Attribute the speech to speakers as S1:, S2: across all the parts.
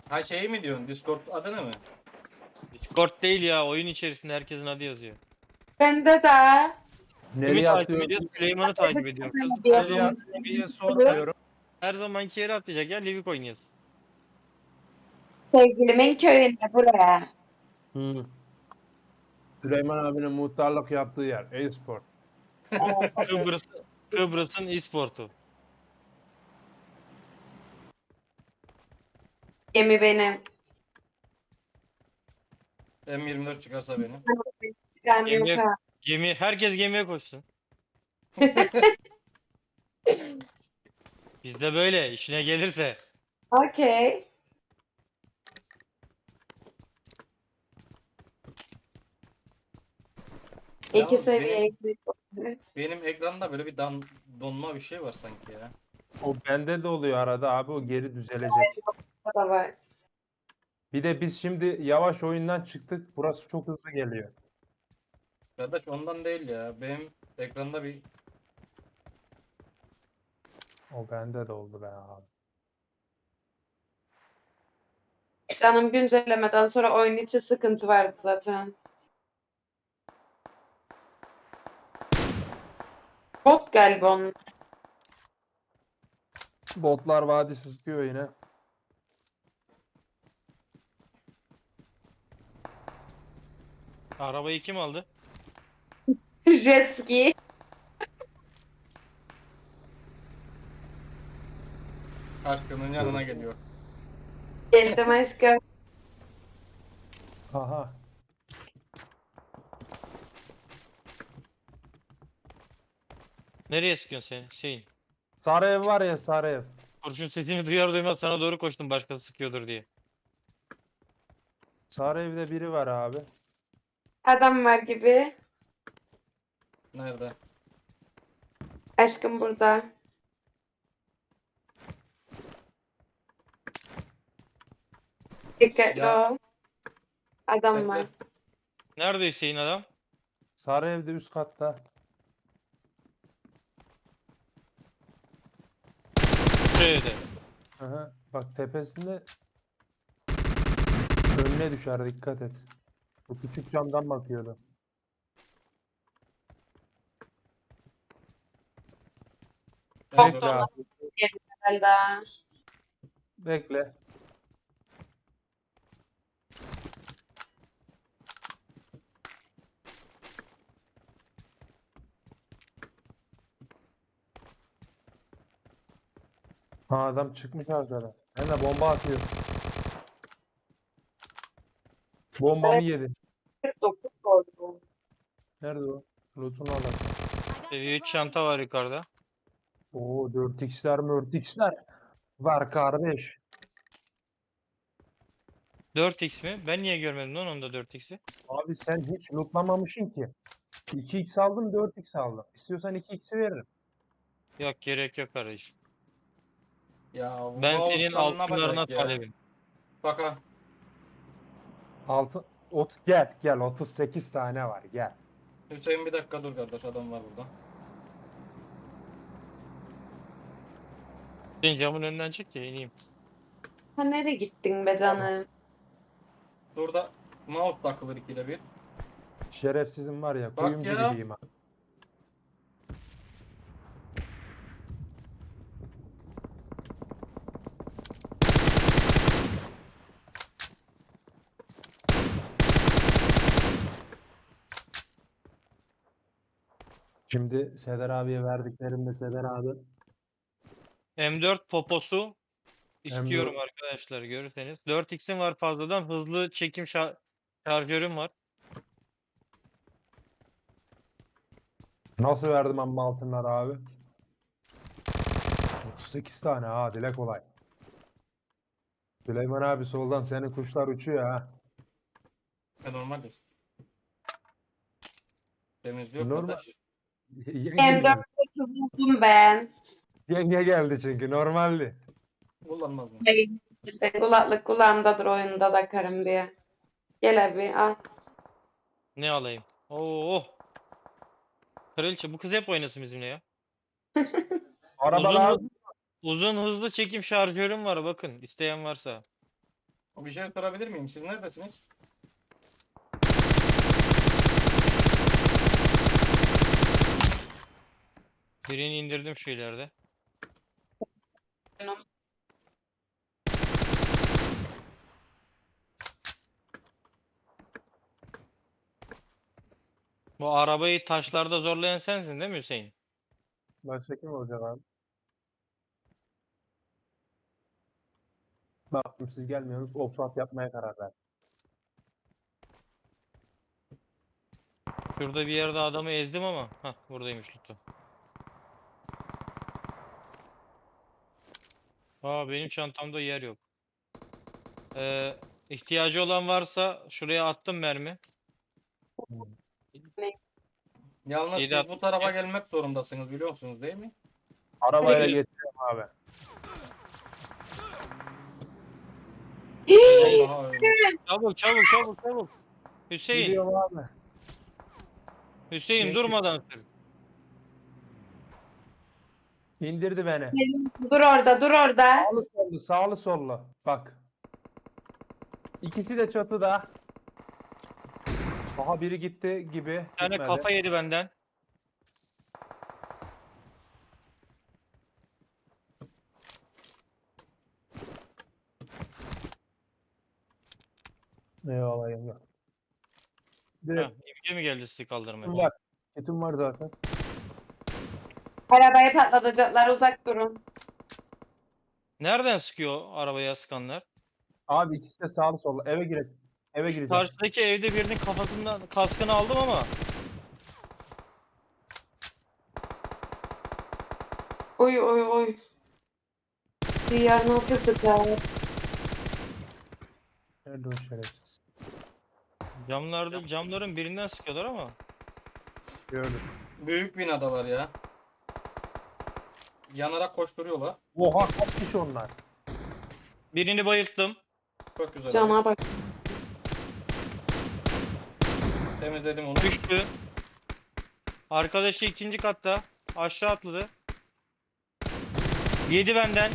S1: Ha şeyi mi diyorsun? Discord adını mı?
S2: Discord değil ya, oyun içerisinde herkesin adı yazıyor.
S3: Bende de.
S2: Kimi
S4: Nereye
S2: takip
S4: atlıyorum?
S2: ediyor? Süleyman'ı takip ediyor. Kız
S4: Nereye atlıyorum sormuyorum.
S2: her zamanki yere atlayacak ya, Livik oynuyoruz.
S3: Sevgilimin köyünde buraya.
S4: Hı. Süleyman abinin muhtarlık yaptığı yer. E-spor.
S2: Kıbrıs'ın e-sportu.
S3: Gemi benim.
S1: M24 çıkarsa benim.
S3: Silahım yok
S2: Gemiye,
S3: ha.
S2: herkes gemiye koşsun. Bizde böyle işine gelirse.
S3: Okey. İki
S1: Yalnız
S3: seviye
S1: benim,
S3: eksik.
S1: benim ekranda böyle bir donma bir şey var sanki ya.
S4: O bende de oluyor arada abi, o geri düzelecek.
S3: Da var.
S4: Bir de biz şimdi yavaş oyundan çıktık. Burası çok hızlı geliyor.
S1: Kardeş ondan değil ya. Benim ekranda bir
S4: O bende de oldu be abi.
S3: Canım güncellemeden sonra oyun içi sıkıntı vardı zaten. Bot galiba onun.
S4: Botlar vadisi sıkıyor yine.
S2: Arabayı kim aldı?
S3: Jet ski.
S1: aşkının yanına geliyor.
S3: Geldim aşkım.
S4: Aha.
S2: Nereye sıkıyorsun sen Hüseyin?
S4: Sarı ev var ya, sarı ev.
S2: Kurşun sesini duyar duymaz sana doğru koştum, başkası sıkıyordur diye.
S4: Sarı evde biri var abi.
S3: Adam var gibi.
S1: Nerede?
S3: Aşkım burada. Dikkatli
S1: Ya.
S3: ol. Adam var.
S1: Bekle.
S2: Nerede Hüseyin adam?
S4: Sarı evde üst katta.
S2: Şurada.
S4: Aha. Bak tepesinde önüne düşer, dikkat et. Bu küçük camdan bakıyordu.
S1: Ben
S4: Bekle
S1: gördüm.
S4: abi.
S3: Herhalde.
S4: Bekle. Ha, adam çıkmış arkadan. Hem de bomba atıyor. Bombamı yedi.
S3: 49 oldu.
S4: Nerede o? Loot'unu alalım.
S2: Seviye 3 çanta var yukarıda.
S4: Oo, 4x'ler 4x'ler var kardeş.
S2: 4x mi? Ben niye görmedim lan onda 4x'i?
S4: Abi sen hiç lootlamamışsın ki. 2x aldım, 4x aldım. İstiyorsan 2x'i veririm.
S2: Yok, gerek yok kardeşim.
S1: Ya bu
S2: Ben senin
S1: Volkswagen ne
S2: altınlarına
S1: yapacak ya?
S2: talebim.
S1: Bak ha.
S4: Altı, gel gel, 38 tane var, gel.
S1: Hüseyin bir dakika dur kardeş, adam var burada.
S2: Senin camın önünden çık ya ineyim.
S3: Ha nereye gittin be canım?
S1: Burada mouse takılır ikide bir.
S4: Şerefsizim var ya,
S1: Bak
S4: kuyumcu
S1: ya.
S4: gibiyim ha. Şimdi Seder abiye verdiklerimde Seder abi
S2: M4 poposu istiyorum
S4: M4
S2: arkadaşlar, görürseniz. 4x'im var fazladan, hızlı çekim şarjörüm var.
S4: nasıl verdim amma altınlar abi? 38 tane ha, dile kolay. Süleyman abi soldan senin kuşlar uçuyor ha.
S1: Normaldir. Temizliyor
S4: Normal.
S1: kardeş.
S4: Yenge geldi.
S3: M4'ü buldum ben.
S4: Yenge geldi çünkü normaldi.
S1: Kullanmaz mı?
S3: Ben kulaklık kulağımdadır oyunda da karım diye. Gel abi al.
S2: Ne alayım? Oo. Kraliçe, bu kız hep oynasın bizimle ya.
S4: Araba
S2: Uzun
S4: lazım.
S2: uzun hızlı çekim şarjörüm var, bakın isteyen varsa.
S1: Bir şey sorabilir miyim? Siz neredesiniz?
S2: Birini indirdim şu ileride. Bu arabayı taşlarda zorlayan sensin değil mi Hüseyin?
S4: Başka kim olacak abi? Baktım siz gelmiyorsunuz. Offroad yapmaya karar verdim.
S2: Şurada bir yerde adamı ezdim ama. Hah, buradaymış Lutu. Aa, benim çantamda yer yok. İhtiyacı olan varsa şuraya attım mermi.
S1: Yalnız
S2: İyi de
S1: siz bu
S2: attım.
S1: tarafa gelmek zorundasınız biliyorsunuz değil mi?
S4: Arabayla getiriyorum abi.
S1: Vallahi öyle.
S2: Çabuk çabuk çabuk çabuk. Hüseyin.
S4: Gidiyorum abi.
S2: Hüseyin
S4: Gel-
S2: durmadan sür.
S4: İndirdi beni.
S3: Dur orada, dur orada.
S4: Sağlı sollu, sağlı sollu. Bak. İkisi de çatıda. Aha biri gitti gibi.
S2: Bir tane
S4: Gitmedi.
S2: kafa yedi benden.
S4: Eyvallah eyvallah.
S2: Heh,
S4: Direkt
S2: imge mi geldi sizi kaldırmaya?
S4: kitim var. Kitim var zaten.
S3: Arabayı patlatacaklar, uzak durun.
S2: Nereden sıkıyor arabaya sıkanlar?
S4: Abi ikisi de sağlı sollu. Eve girek. Eve gireceğim.
S2: Karşıdaki evde birinin kafasından kaskını aldım ama
S3: Oy oy oy. Diyar nasıl sıkar?
S4: Nerede o şerefsiz?
S2: camların birinden sıkıyorlar ama.
S4: Gördüm.
S1: Büyük binadalar ya. Yanarak koşturuyorlar.
S4: Oha kaç kişi onlar?
S2: Birini bayılttım.
S1: Çok güzel.
S3: Cana bak.
S1: Temizledim onu.
S2: Düştü. Arkadaşı ikinci katta. Aşağı atladı. Yedi benden.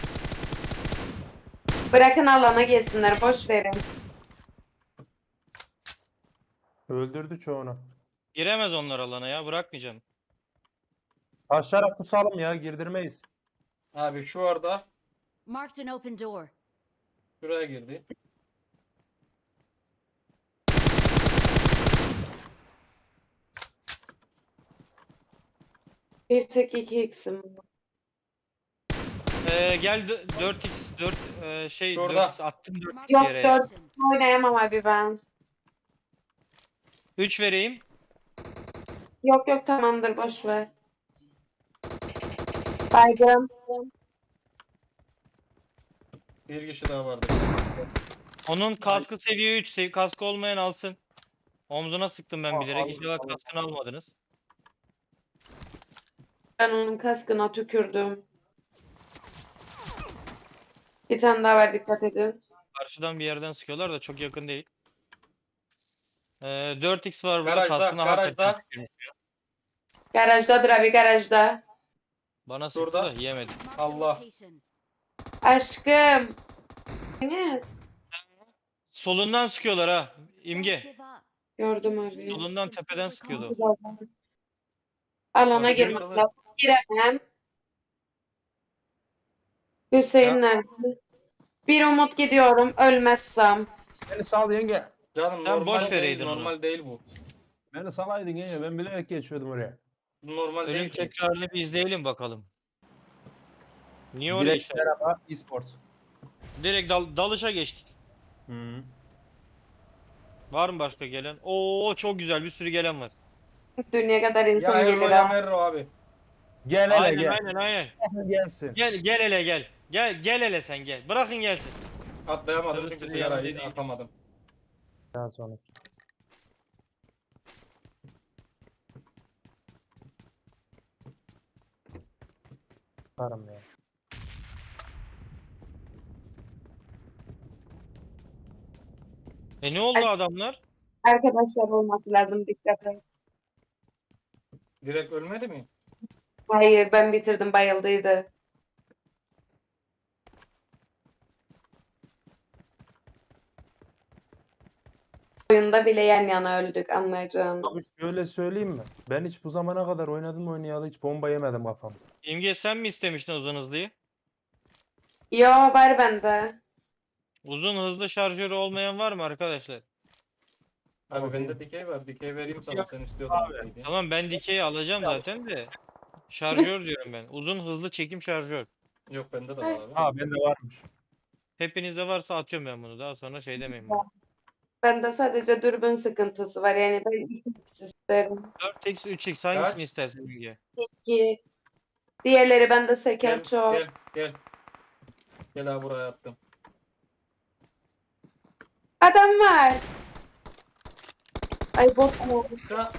S3: Bırakın alana gelsinler, boş verin.
S4: Öldürdü çoğunu.
S2: Giremez onlar alana ya. Bırakmayacağım.
S4: Taşlara kusalım ya girdirmeyiz.
S1: Abi şu arada
S5: Marked an open door.
S1: şuraya girdi.
S3: Bir tek 2x'im var.
S2: Gel 4x 4
S1: Şurada.
S2: 4x attım 4x
S3: Yok,
S2: yere.
S3: 4 oynayamam abi ben.
S2: 3 vereyim.
S3: Yok yok, tamamdır, boş ver. Baygın.
S1: Bir kişi daha vardı.
S2: Onun kaskı seviye 3. Kaskı olmayan alsın. Omzuna sıktım ben
S4: Al,
S2: bilerek.
S4: al,
S2: İnşallah
S4: al.
S2: kaskını almadınız.
S3: Ben onun kaskına tükürdüm. Bir tane daha var, dikkat edin.
S2: Karşıdan bir yerden sıkıyorlar da çok yakın değil. 4x var burada.
S1: Garajda,
S2: Kaskına
S1: garajda.
S2: hakikaten tükürmüş.
S3: Garajdadır abi, garajda.
S2: Bana sıktı
S1: Şurada.
S2: da yiyemedim.
S5: Marked a
S1: Allah.
S5: location.
S3: Aşkım. Enes.
S2: Solundan sıkıyorlar ha.
S5: Don't
S2: İmge.
S5: give up.
S3: Gördüm abi.
S2: Solundan tepeden sıkıyordu.
S3: Alana
S1: Tabii,
S3: girmek
S1: tabii.
S3: lazım. Giremem. Hüseyin
S2: Ya.
S3: nerede? Bir umut gidiyorum, ölmezsem.
S4: Beni sal yenge.
S1: Canım
S2: Sen
S1: normal
S2: boş
S1: değil,
S2: vereydin onu.
S1: normal değil bu.
S4: Beni salaydın yenge. Ben bilerek geçiyordum oraya.
S1: Normal
S2: Ölüm
S1: değil. bu.
S2: tekrarını bir izleyelim bakalım. Niye oraya
S4: Direkt
S2: işte?
S4: merhaba e-sport.
S2: Direkt dalışa geçtik.
S4: Hı.
S2: Var mı başka gelen? Oo, çok güzel, bir sürü gelen var.
S3: Dünya kadar
S1: Ya
S3: insan
S1: Erro
S3: gelir
S1: ya
S3: ha.
S1: Merro abi.
S4: Gel hele
S2: Aynen
S4: gel.
S2: aynen aynen.
S4: Gelsin.
S2: Gel hele gel. Gel hele sen gel. Bırakın gelsin.
S1: Atlayamadım
S2: Tabii,
S1: çünkü
S2: tabii,
S1: sigarayı
S2: yanında değil.
S1: atamadım.
S4: Daha sonra. Varım ya.
S2: Ne oldu adamlar?
S3: Arkadaşlar olması lazım, dikkat et.
S1: Direkt ölmedi mi?
S3: Hayır, ben bitirdim, bayıldıydı. oyunda bile yan yana öldük anlayacağın.
S4: Abi şöyle söyleyeyim mi? Ben hiç bu zamana kadar oynadım oynayalı hiç bomba yemedim kafam.
S2: İmge sen mi istemiştin uzun hızlıyı?
S3: Yo var bende.
S2: Uzun hızlı şarjörü olmayan var mı arkadaşlar?
S1: Abi bende dikey var. Dikey vereyim sana.
S4: Yok
S1: Sen istiyordun
S4: abi.
S1: dikey diye.
S2: Tamam ben dikeyi alacağım zaten de. Şarjör diyorum ben. Uzun hızlı çekim şarjör.
S1: Yok bende de var abi.
S4: Ha bende varmış.
S2: Hepinizde varsa atıyorum ben bunu. Daha sonra şey demeyin bana.
S3: Bende sadece dürbün sıkıntısı var. Yani ben 2x isterim.
S2: 4x 3x hangisini
S1: Kaç?
S2: istersin İmge?
S3: 2. Diğerleri bende seker
S1: Gel
S3: çok.
S1: gel gel. Gel abi buraya attım.
S3: Adam var. Ay bot mu?
S1: Ya,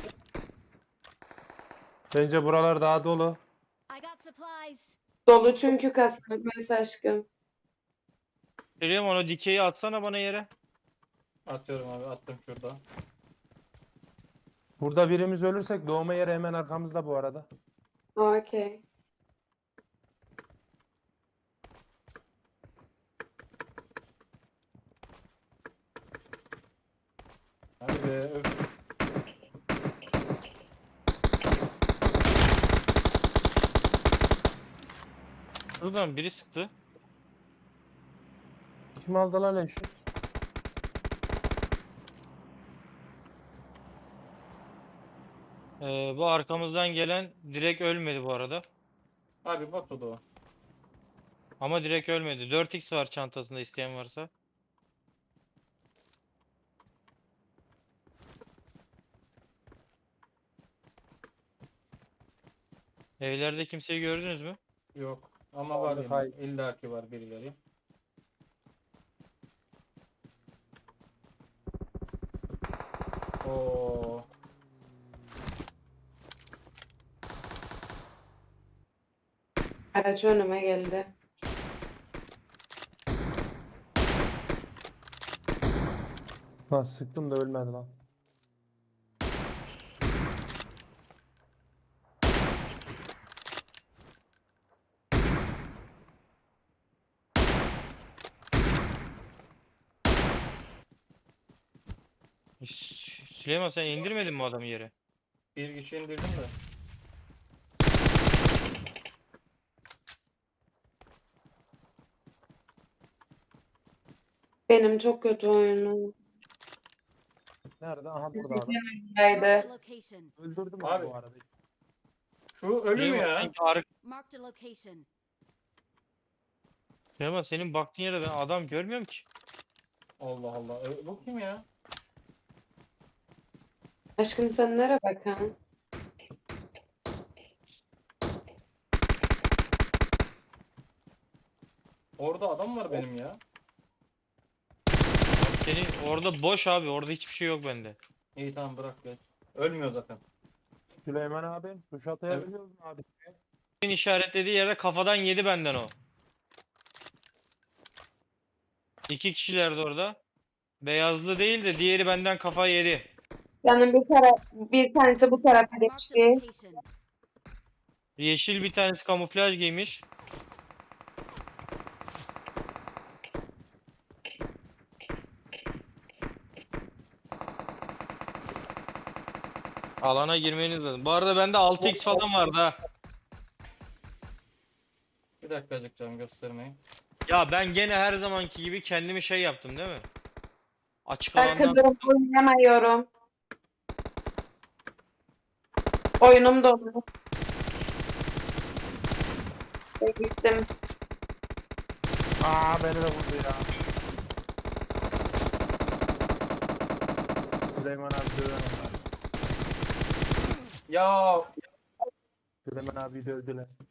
S4: Bence buralar daha dolu.
S5: I got supplies.
S3: Dolu çünkü kasmış aşkım.
S2: Söylüyorum onu dikeyi atsana bana yere.
S1: atıyorum abi attım şurada.
S4: Burada birimiz ölürsek doğma yeri hemen arkamızda bu arada.
S3: Okey.
S1: Hadi be öf.
S2: Şuradan biri sıktı.
S4: Kim aldı lan eşi?
S2: Bu arkamızdan gelen direkt ölmedi bu arada.
S1: Abi bot o da o.
S2: Ama direkt ölmedi. 4x var çantasında isteyen varsa. Evlerde kimseyi gördünüz mü?
S1: Yok. Ama var
S4: Abi,
S1: yine.
S4: hayır.
S1: İlla ki var birileri. Oo.
S3: Araç önüme geldi.
S4: Lan sıktım da ölmedi lan.
S2: Süleyman sen indirmedin mi adamı yere?
S1: Bir kişi indirdim de.
S3: Benim çok kötü oyunum.
S4: Nerede? Aha burada
S3: Teşekkür
S4: adam.
S5: Marked a
S3: ederim.
S5: location.
S4: Öldürdüm
S1: Abi.
S4: abi bu arada.
S1: Şu ölü mü
S2: Süleyman,
S1: ya?
S5: Marked a location.
S2: Süleyman senin baktığın yere ben adam görmüyorum ki.
S1: Allah Allah. Bu kim ya?
S3: Aşkım sen nereye bakan?
S1: Orada adam var benim ya.
S2: Senin orada boş abi. Orada hiçbir şey yok bende.
S1: İyi tamam bırak geç. Ölmüyor zaten.
S4: Süleyman abi tuş atayabiliyoruz mu abi?
S2: Senin işaretlediği yerde kafadan yedi benden o. İki kişilerdi orada. Beyazlı değil de diğeri benden kafa yedi.
S3: Yani bir tanesi bu tarafa
S5: Marked a
S3: geçti.
S5: location.
S2: Yeşil bir tanesi kamuflaj giymiş. Alana girmeniz lazım. Bu arada bende 6x falan vardı ha.
S1: Bir dakikacık canım göstermeyin.
S2: Ya ben gene her zamanki gibi kendimi şey yaptım değil mi? Açık alandan
S3: Arkadaşım oynayamıyorum. Oyunum dolu. Gittim.
S4: Aa beni de vurdu ya. Süleyman abi döven onlar.
S1: Ya
S4: Süleyman abi dövdüler.